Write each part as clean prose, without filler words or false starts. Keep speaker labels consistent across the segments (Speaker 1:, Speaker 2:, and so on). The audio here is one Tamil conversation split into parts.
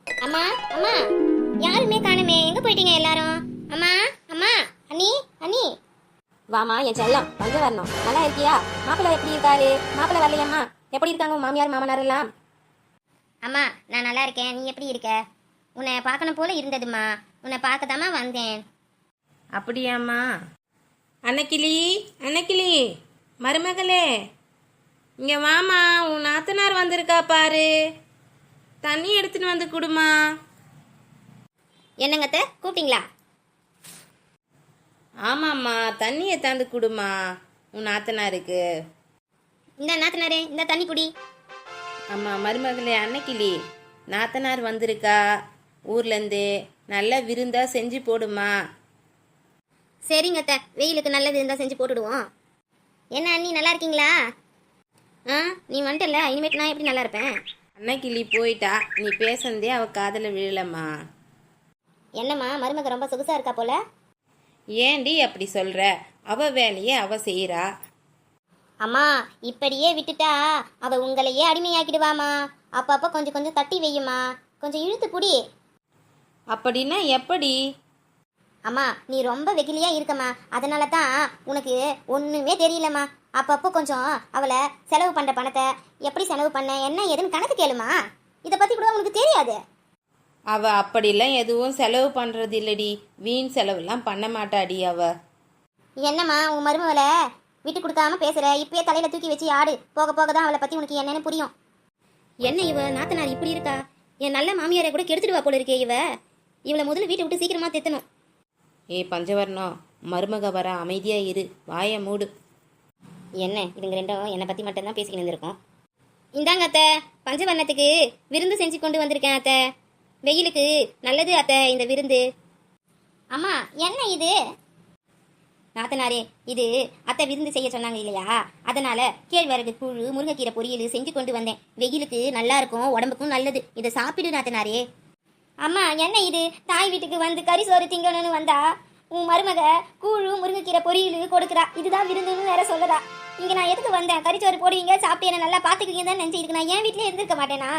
Speaker 1: அம்மா அம்மா, யாருமே காணுமே, எங்க போயிட்டீங்க எல்லாரும்? அம்மா அம்மா, அண்ணி அண்ணி.
Speaker 2: வாமா என் செல்லம், வந்து வரணும். நல்லா இருக்கியா? மாப்பிள்ளை எப்படி இருக்காரு? மாப்பிள்ளை வரலையம்மா? எப்படி இருக்காங்க உங்க மாமியார் மாமனார் எல்லாம்?
Speaker 1: அம்மா நான் நல்லா இருக்கேன், நீ எப்படி இருக்க? உன்னை பார்க்கணும் போல இருந்ததுமா, உன்னை பார்க்கதாம்மா வந்தேன்.
Speaker 3: அப்படியாம்மா? அன்னக்கிளி, அன்னக்கிளி, மருமகளே, இங்கே வாமா, உன் நாத்தனார் வந்திருக்கா பாரு. தண்ணி எடுத்துன்னு வந்து கொடுமா.
Speaker 1: என்னங்கத்த கூப்பிட்டீங்களா?
Speaker 3: ஆமாம்மா, தண்ணியை தந்து கொடுமா உன் நாத்தனாருக்கு.
Speaker 1: இந்த நாத்தனாரே, இந்த தண்ணி குடி.
Speaker 3: ஆமா மருமகளே, அன்னக்கிளி, நாத்தனார் வந்திருக்கா ஊர்லேருந்து. நல்ல விருந்தா செஞ்சு போடுமா.
Speaker 1: சரிங்கத்த, வெயிலுக்கு நல்லது இருந்தால் செஞ்சு போட்டுடுவோம். என்ன அண்ணி நல்லா இருக்கீங்களா? நீ வந்துட்டல, இனிமேட்டு நான் எப்படி நல்லா இருப்பேன்?
Speaker 3: அன்னக்கிளி போயிட்டா, நீ பேசுனதே அவ காதில் விழலம்மா.
Speaker 1: என்னம்மா மருமக ரொம்ப சொகுசா இருக்கா போல?
Speaker 3: ஏண்டி அப்படி சொல்ற? அவ வேலையே அவ செய்யறா.
Speaker 1: அம்மா இப்படியே விட்டுட்டா அவ உங்களையே அடிமையாக்கிடுவாமா. அப்பப்போ கொஞ்சம் கொஞ்சம் தட்டி வையுமா, கொஞ்சம் இழுத்து புடி.
Speaker 3: அப்படின்னா எப்படி?
Speaker 1: அம்மா நீ ரொம்ப வெகிலியா இருக்கம்மா, அதனால தான் உனக்கு ஒன்றுமே தெரியலம்மா. அப்பப்போ கொஞ்சம் அவளை செலவு பண்ணுற பணத்தை எப்படி செலவு பண்ண என்ன ஏதுன்னு கணக்கு கேளுமா. இதை பற்றி கூட உனக்கு தெரியாது.
Speaker 3: அவ அப்படிலாம் எதுவும் செலவு பண்றது இல்லடி, வீண் செலவுலாம் பண்ண மாட்டாடி அவ.
Speaker 1: என்னம்மா உன் மருமகளை விட்டு கொடுக்காம பேசுற? இப்பயே தலையில தூக்கி வச்சு ஆடு, போக போக தான் அவளை பற்றி உனக்கு என்னன்னு புரியும். என்ன இவ நாத்தனார் இப்படி இருக்கா? என் நல்ல மாமியாரை கூட கெடுத்துடுவா போல இருக்கே இவ. இவளை முதல்ல வீட்டை விட்டு சீக்கிரமா தெத்தணும்.
Speaker 3: பஞ்சவர்ணம், மருமக வர, அமைதியா இரு, வாய மூடு.
Speaker 1: என்ன இதுங்க ரெண்டும் என்னை பற்றி மட்டும்தான் பேசிக்கிட்டு இருந்திருக்கோம். இந்தாங்க அத்தை, பஞ்சவர்ணத்துக்கு விருந்து செஞ்சு கொண்டு வந்திருக்கேன் அத்தை. வெயிலுக்கு நல்லது அத்தை இந்த விருந்து. அம்மா என்ன இது? நாத்தனாரே, இது அத்தை விருந்து செய்ய சொன்னாங்க இல்லையா, அதனால கேழ்வரகு கூழு முருங்கைக்கீரை பொரியல் செஞ்சு கொண்டு வந்தேன். வெயிலுக்கு நல்லா இருக்கும், உடம்புக்கும் நல்லது, இதை சாப்பிடு நாத்தனாரே. அம்மா என்ன இது? தாய் வீட்டுக்கு வந்து கறி சோறு திங்கணும்னு வந்தா உன் மருமக கூழு முருங்கைக்கீரை பொரியல் கொடுக்குறா, இதுதான் விருந்துன்னு வேற சொல்லதா. இங்க நான் எதுக்கு வந்தேன்? கறிச்சோறு போடுவீங்க, சாப்பிட்டு என்ன நல்லா பாத்துக்குவீங்க தான் நினைச்சு, இதுக்கு நான் என் வீட்லயே இருந்திருக்க மாட்டேனா?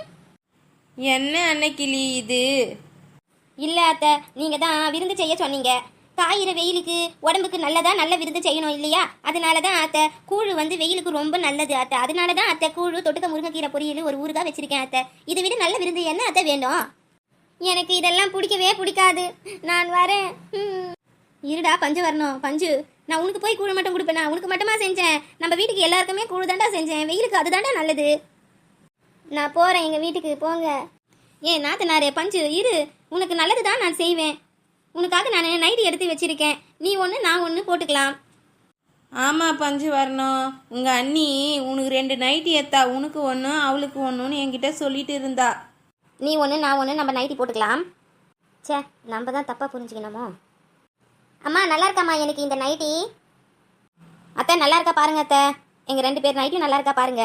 Speaker 3: என்ன அன்னக்கிளி இது?
Speaker 1: இல்ல அத்தை, நீங்க தான் விருந்து செய்ய சொன்னீங்க. காயிற வெயிலுக்கு உடம்புக்கு நல்லதா, நல்ல விருந்து செய்யணும் இல்லையா, அதனாலதான் அத்தை கூழு வந்து வெயிலுக்கு ரொம்ப நல்லது அத்தை. அதனாலதான் அத்தை கூழு தொட்டுக்க முருங்கைக்கீரை பொரியல் ஒரு ஊருகா வச்சிருக்கேன் அத்தை. இதை விட நல்ல விருந்து என்ன அத்தை வேணும்? எனக்கு இதெல்லாம் பிடிக்கவே பிடிக்காது, நான் வரேன். இருடா பஞ்சு வரணும். பஞ்சு, நான் உனக்கு போய் கூழ் மட்டும் கொடுப்பேனா? உனக்கு மட்டுமா செஞ்சேன்? நம்ம வீட்டுக்கு எல்லாருக்குமே கூழ் தாண்டா செஞ்சேன், வெயிலுக்கு அதுதாண்டா நல்லது. நான் போறேன் எங்க வீட்டுக்கு, போங்க. ஏன் நாத்தனாரே, பஞ்சு இரு, உனக்கு நல்லது தான் நான் செய்வேன். உனக்காக நான் நைட்டி எடுத்து வச்சிருக்கேன், நீ ஒன்று நான் ஒன்று போட்டுக்கலாம்.
Speaker 3: ஆமா பஞ்சு வரணும், உங்க அண்ணி உனக்கு 2 நைட்டி எத்தா, உனக்கு ஒன்று அவளுக்கு ஒன்றுன்னு என்கிட்ட சொல்லிட்டு இருந்தா.
Speaker 1: நீ ஒன்று நான் ஒன்று நம்ம நைட்டி போட்டுக்கலாம். சே, நம்ம தான் தப்பாக புரிஞ்சுக்கணுமோ. அம்மா நல்லா இருக்காம்மா எனக்கு இந்த நைட்டி? அத்தை நல்லா இருக்கா பாருங்க அத்தை, எங்கள் 2 பேர் நைட்டியும் நல்லா இருக்கா பாருங்க.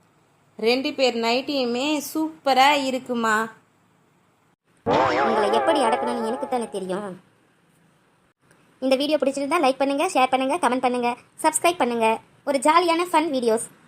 Speaker 3: 2 பேர் நைட்டியுமே சூப்பரா இருக்குமா.
Speaker 1: உங்களை எப்படி அடக்கணும்னு எனக்கு தானே தெரியும். இந்த வீடியோ பிடிச்சிருந்தா லைக் பண்ணுங்க, ஷேர் பண்ணுங்க, கமெண்ட் பண்ணுங்க, சப்ஸ்கிரைப் பண்ணுங்க. ஒரு ஜாலியான ஃபன் வீடியோஸ்